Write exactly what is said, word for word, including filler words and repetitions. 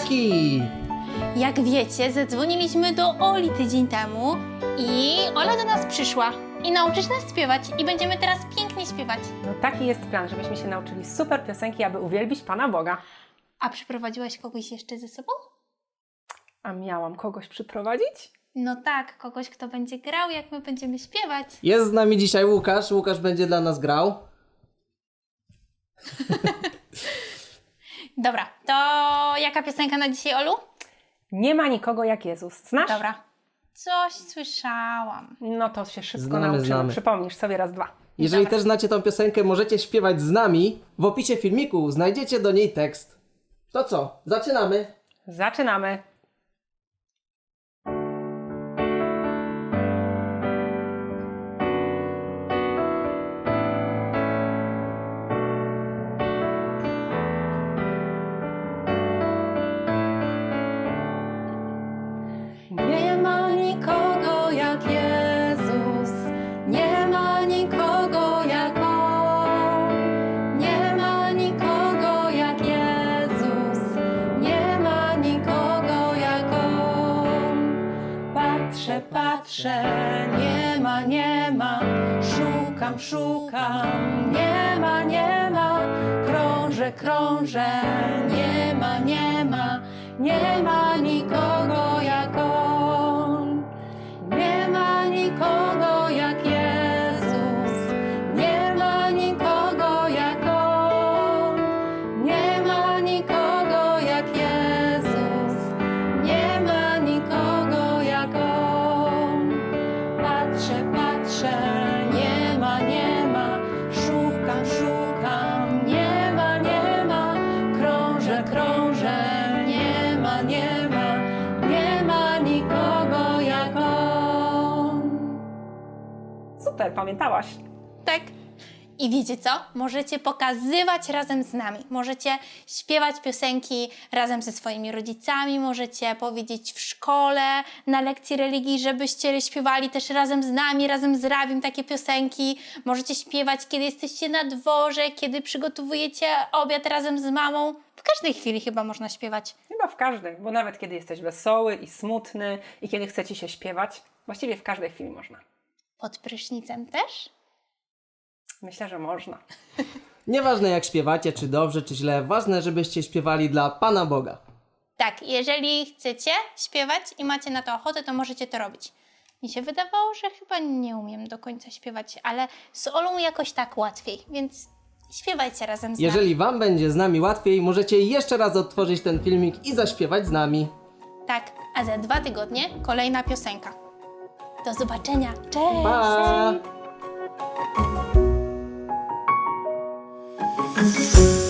Buziaki! Jak wiecie, zadzwoniliśmy do Oli tydzień temu i Ola do nas przyszła i nauczysz nas śpiewać i będziemy teraz pięknie śpiewać. No taki jest plan, żebyśmy się nauczyli super piosenki, aby uwielbić Pana Boga. A przyprowadziłaś kogoś jeszcze ze sobą? A miałam kogoś przyprowadzić? No tak, kogoś, kto będzie grał, jak my będziemy śpiewać. Jest z nami dzisiaj Łukasz. Łukasz będzie dla nas grał. Dobra, to jaka piosenka na dzisiaj, Olu? Nie ma nikogo jak Jezus. Znasz? Dobra. Coś słyszałam. No to się szybko Znamy, nauczymy. znamy. Przypomnisz sobie raz, dwa. Jeżeli Dobra. też znacie tą piosenkę, możecie śpiewać z nami. W opisie filmiku znajdziecie do niej tekst. To co? Zaczynamy. Zaczynamy. Nie ma nikogo jak Jezus, nie ma nikogo jak On. Nie ma nikogo jak Jezus, nie ma nikogo jak On. Patrzę, patrzę, nie ma, nie ma, szukam, szukam, nie ma, nie ma, krążę, krążę, nie ma, nie ma, nie ma nikogo jak On. Nie ma nikogo jak Jezus, nie ma nikogo jak On. Nie ma nikogo jak Jezus, nie ma nikogo jak On. Patrzę, patrzę, nie ma, nie ma, szukam, szukam, nie ma, nie ma, krążę, krążę, nie ma, nie ma, nie ma nikogo jak On. Super, pamiętałaś? Tak. I wiecie co? Możecie pokazywać razem z nami. Możecie śpiewać piosenki razem ze swoimi rodzicami, możecie powiedzieć w szkole, na lekcji religii, żebyście śpiewali też razem z nami, razem z rabim takie piosenki. Możecie śpiewać, kiedy jesteście na dworze, kiedy przygotowujecie obiad razem z mamą. W każdej chwili chyba można śpiewać. Chyba w każdej, bo nawet kiedy jesteś wesoły i smutny i kiedy chce Ci się śpiewać, właściwie w każdej chwili można. Pod prysznicem też? Myślę, że można. Nieważne jak śpiewacie, czy dobrze, czy źle, ważne, żebyście śpiewali dla Pana Boga. Tak, jeżeli chcecie śpiewać i macie na to ochotę, to możecie to robić. Mi się wydawało, że chyba nie umiem do końca śpiewać, ale z Olą jakoś tak łatwiej, więc śpiewajcie razem z nami. Jeżeli Wam będzie z nami łatwiej, możecie jeszcze raz odtworzyć ten filmik i zaśpiewać z nami. Tak, a za dwa tygodnie kolejna piosenka. Do zobaczenia. Cześć! Pa!